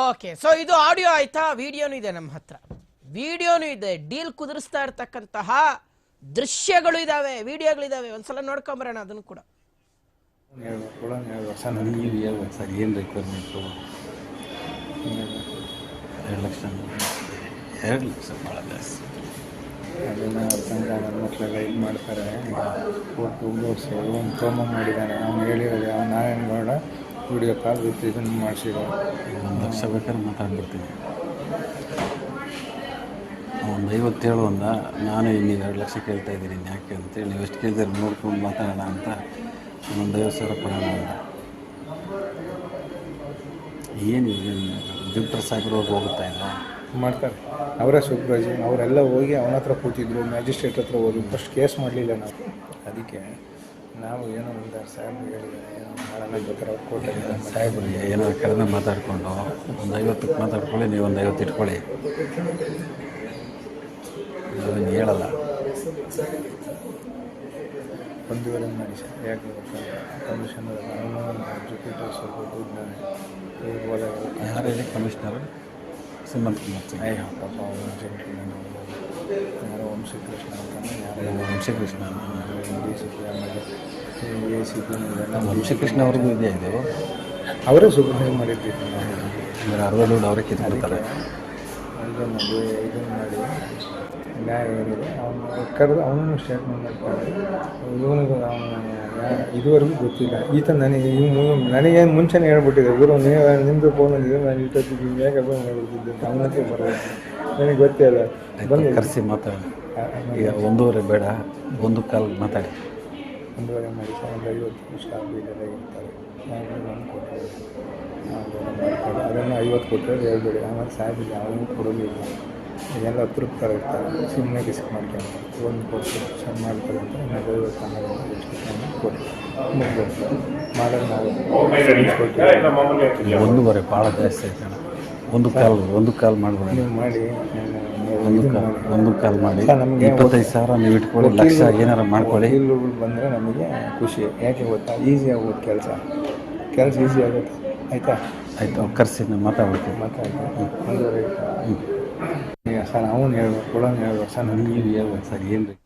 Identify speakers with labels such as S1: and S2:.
S1: Okay, so ಇದು audio ಆಯ್ತಾ? ವಿಡಿಯೋನು ಇದೆ ನಮ್ಮ ಹತ್ರ, ವಿಡಿಯೋನು ಇದೆ. ಡೀಲ್ ಕುದುರಿಸ್ತಾ ಇರ್ತಕ್ಕಂತಹ ದೃಶ್ಯಗಳು ಇದಾವೆ, ವಿಡಿಯೋಗಳಿದಾವೆ. ಒಂದ್ಸಲ ನೋಡ್ಕೊಂಬರೋಣ ಅದನ್ನು ಕೂಡ.
S2: ನೀವು ಹೇಳ್ಬೇಕು ಸರ್, ಏನು ರಿಕ್ವೈರ್ಮೆಂಟು? 2 ಲಕ್ಷ ಭಾಳ ಜಾಸ್ತಿ.
S3: ಅದನ್ನು ಅವ್ರ ನನ್ನ ಮಕ್ಕಳೆಲ್ಲ ಇದು ಮಾಡ್ತಾರೆ. ಕೊಟ್ಟು ಓಡಿಸಿ ಒಂದು ಪ್ರೋಮೋ ಮಾಡಿದ್ದಾನೆ, ಅವ್ನು ಹೇಳಿರೋದು ನಾರಾಯಣಗೌಡ ವಿಡಿಯೋ ಕಾಲ್ ವಿತ್ ಇದನ್ನು ಮಾಡಿಸಿರೋ.
S2: 1 ಲಕ್ಷ ಬೇಕಾದ್ರೆ ಮಾತಾಡ್ಬಿಡ್ತೀನಿ. 50 ಅಂದ, ನಾನು ನೀವು 2 ಲಕ್ಷ ಕೇಳ್ತಾ ಇದ್ದೀನಿ ಯಾಕೆ ಅಂತೇಳಿ, ನೀವು ಎಷ್ಟು ಕೇಳಿದ್ರೆ ನೋಡ್ಕೊಂಡು ಮಾತಾಡೋಣ ಅಂತ 50,000 ಕೊಡೋಣ ಅಂತ. ಏನು ಜಿಪ್ಟರ್ ಸಾಹೇಬ್ರವ್ರು ಹೋಗುತ್ತಾ ಇಲ್ಲ
S3: ಮಾಡ್ತಾರೆ ಅವರೇ ಸೂಪ್ರೈಸು. ಅವರೆಲ್ಲ ಹೋಗಿ ಅವನ ಹತ್ರ ಕೂತಿದ್ರು, ಮ್ಯಾಜಿಸ್ಟ್ರೇಟ್ ಹತ್ರ ಹೋಗಿ ಫಸ್ಟ್ ಕೇಸ್ ಮಾಡಲಿಲ್ಲ ನಾವು. ಅದಕ್ಕೆ ನಾವು ಏನೋ ಒಂದು ಸಾಹೇಬ್ರು ಹೇಳಿದ್ದಾರೆ, ಏನೋ ಮಾಡೋಣ ಬೇಕಾದ್ರೆ ಅವ್ರು ಕೊಟ್ಟಿದ್ದಾರೆ.
S2: ಸಾಹೇಬ್ರಿಗೆ ಏನೋ ಕಡಿಮೆ ಮಾತಾಡಿಕೊಂಡು ಒಂದು 50ಕ್ಕೆ ಮಾತಾಡ್ಕೊಳ್ಳಿ, ನೀವು ಒಂದು 50 ಇಟ್ಕೊಳ್ಳಿ. ಅದನ್ನು ಹೇಳಲ್ಲ.
S3: 1.5 ಮಾಡಿ ಸರ್, ಯಾಕೆ ಕಮಿಷನ್ ಅವನು ಎಜುಕೇಟರ್ ಸ್ವಲ್ಪ ದುಡ್ಡು
S2: ಯಾರು ಹೇಳಿ ಕಮಿಷನರು? ಸುಮಂತ್ ಕುಮಾರ್ ಸಿಂಗ್.
S3: ಅಯ್ಯೋ ಪಾಪ ಅವನು ಜೆಂಟ್ಲ್ಮನ್, ಯಾರೋ ವಂಶಕೃಷ್ಣ ಅಂತಾನೆ, ಯಾರೋ
S2: ವಂಶಕೃಷ್ಣ
S3: ಡಿ ಸಿ ಪಿ, ಆಮೇಲೆ ಎ ಸಿ ಪಿ.
S2: ವಂಶಕೃಷ್ಣ ಅವ್ರಿಗೂ ಇದೆ ಇದು.
S3: ಅವರೇ ಸೂಪರ್ವೈಸ್ ಮಾಡಿರ್ತೀವಿ
S2: ಅಂದರೆ ಅರ್ಧ ದುಡ್ಡು ಅವರೇ ಕಿತ್ಕೊಳ್ತಾರೆ.
S3: ಇದನ್ನು ಮಾಡಿ ನ್ಯಾಯ ಏನಿದೆ ಅವನು ಕರೆದು ಅವನನ್ನು ಸ್ಟೇಟ್ಮೆಂಟ್ ಮಾಡ್ತಾರೆ. ಇವನಿಗೂ ಅವನು ಇದುವರೆಗೂ ಗೊತ್ತಿಲ್ಲ. ಈತ ನನಗೇನು ಮುಂಚೆನೇ ಹೇಳ್ಬಿಟ್ಟಿದೆ, ಗುರು ನೀವು ನಿಮ್ಮದು ಫೋನ್ ಅಂದಿದೆ, ನಾನು ಇಷ್ಟೊತ್ತಿಗೆ ಹೇಗೆ ಫೋನ್ ಮಾಡ್ಬಿಟ್ಟಿದ್ದೆ ಅವನಕ್ಕೆ ಬರೋದು ನನಗೆ ಗೊತ್ತೇ ಇಲ್ಲ.
S2: ಬಂದು ಕರೆಸಿ ಮಾತಾಡಿ. ಈಗ 1.5 ಬೇಡ, 1 ಮಾತಾಡಿ.
S3: 1.5 ಮಾಡಿ ಸರ್, ಒಂದು 50 ಸ್ಟಾಫ್ ಇದೆಲ್ಲ ಇರ್ತಾರೆ. ನಾನು ಕೊಟ್ಟರೆ ಅದನ್ನು 50 ಕೊಟ್ಟರೆ ಹೇಳ್ಬೇಡಿ. ಆಮೇಲೆ ಸಾಹೇಬಿಗೆ ಯಾವಾಗಲೂ ಕೊಡೋದಿಲ್ಲ, ಎಲ್ಲ ತೃಪ್ತರ ಇರ್ತಾರೆ, ಸುಮ್ಮನೆ ರಿಸ್ಕ್ ಮಾಡ್ಕೊಂತಾರೆ. ಒಂದು ಕೊಟ್ಟು ಚೆಂದ ಮಾಡ್ತಾರೆ ಅಂತ ಇನ್ನೊಂದು 50 ಎಷ್ಟು ಕೊಟ್ಟು ಮುಗ್ದು ಮಾಡೋದು ನಾವು ಕೊಟ್ಟು
S2: 1.5 ಭಾಳ ಜಾಸ್ತಿ ಆಯ್ತು. 1 ಕಾಲ್ ಮಾಡ್ಬೇಡ.
S3: ನೀವು ಮಾಡಿ
S2: 1 ಕಾಲ್ ಮಾಡಿ 25,000 ನೀವು ಇಟ್ಕೊಳ್ಳಿ, ಲಕ್ಷ ಏನಾರು ಮಾಡ್ಕೊಳ್ಳಿ.
S3: ವಕೀಲರುಗಳು ಬಂದರೆ ನಮಗೆ ಖುಷಿ. ಯಾಕೆ ಗೊತ್ತಾ, ಈಸಿ ಆಗೋದು ಕೆಲಸ ಈಸಿ ಆಗುತ್ತೆ. ಆಯಿತಾ?
S2: ಆಯಿತು, ಕರೆಸಿ ನಾನು ಮಾತಾಡ್ತೀನಿ.
S3: ಈಗ ಸರ್ ಅವನು ಹೇಳ್ಬೇಕು, ಕೊಡೋನು ಹೇಳ್ಬೇಕು ಸರ್.
S2: ನೀವು ಹೇಳ್ಬೇಕು ಸರ್, ಏನು